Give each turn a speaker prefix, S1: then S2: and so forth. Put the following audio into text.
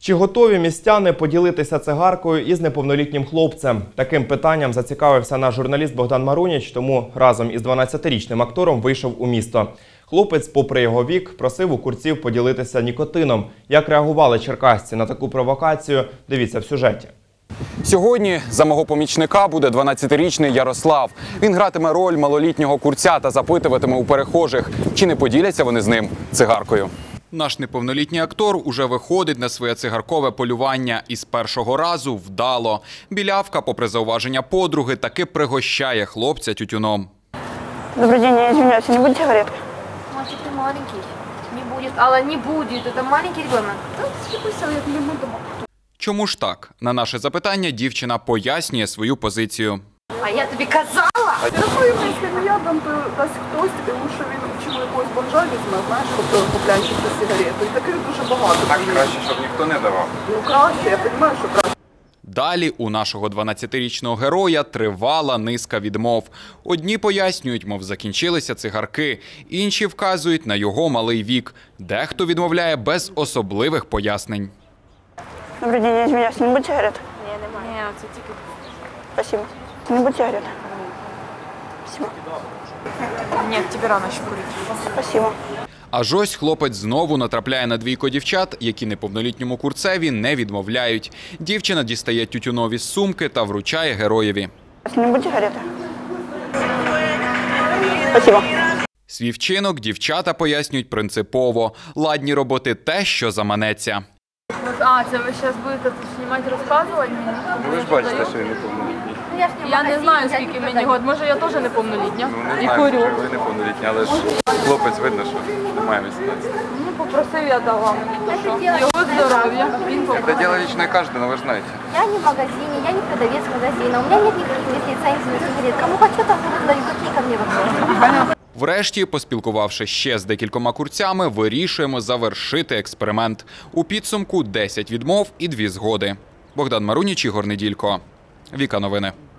S1: Чи готові містяни поділитися цигаркою із неповнолітнім хлопцем? Таким питанням зацікавився наш журналіст Богдан Маруніч, тому разом із 12-річним актором вийшов у місто. Хлопець, попри його вік, просив у курців поділитися нікотином. Як реагували черкасці на таку провокацію, дивіться в сюжеті.
S2: Сьогодні за мого помічника буде 12-річний Ярослав. Він гратиме роль малолітнього курця та запитуватиме у перехожих, чи не поділяться вони з ним цигаркою. Наш неповнолітній актор уже виходить на своє цигаркове полювання і з першого разу вдало. Білявка, попри зауваження подруги, таки пригощає хлопця тютюном.
S3: Добрый день, я извиняюсь, не будет сигаретки?
S4: Мальчик, ты маленький. Не будет. Алла, не будет. Это маленький ребенок. Да, пусть я не буду.
S2: Чому ж так? На наше запитання дівчина пояснює свою позицію.
S4: А я тобі казала!
S3: Якщо не я дам, то дасть хтось, тому що він вчив якогось бомжа візьме, знаєш, тобто купляючи цю сигарету. І таких дуже багато.
S2: Так краще, щоб ніхто не давав.
S3: Ну краще, я розумію, що краще.
S2: Далі у нашого 12-річного героя тривала низка відмов. Одні пояснюють, мов закінчилися цигарки, інші вказують на його малий вік. Дехто відмовляє без особливих пояснень.
S3: Добрый день, я извиняюсь, не будет сигарет?
S4: Ні, немає. Це тільки...
S3: Спасибо. Не будет сигарет? Спасибо.
S4: Ні, тобі рано ще курити.
S3: Спасибо.
S2: Аж ось хлопець знову натрапляє на двійко дівчат, які неповнолітньому курцеві не відмовляють. Дівчина дістає тютюнові з сумки та вручає героєві.
S3: Не будет сигареты? Спасибо.
S2: Свій вчинок дівчата пояснюють принципово. Ладні робити те, що заманеться.
S5: А, це ви зараз будете знімати, розказувати мені?
S6: Ви ж бачите, що я неповнолітній.
S5: Я не знаю, скільки мені років. Може, я теж неповнолітня.
S6: Ну, не
S5: І
S6: знаю,
S5: курю.
S6: що ви неповнолітні, але ж хлопець видно, що немає 18.
S5: Ну, попросив, я дала мені. Його здоров'я. Він
S6: Это
S5: попросив.
S6: дело личное каждого, вы же знаете.
S4: Я не в магазине, я не продавец магазина. У меня нет никаких лицензий на сигарет. Кому хочу, там продаю. Какие ко мне вопросы?
S2: Врешті, поспілкувавшись ще з декількома курцями, вирішуємо завершити експеримент. У підсумку 10 відмов і 2 згоди. Богдан Маруніч, Ігор Неділько. Віка Новини.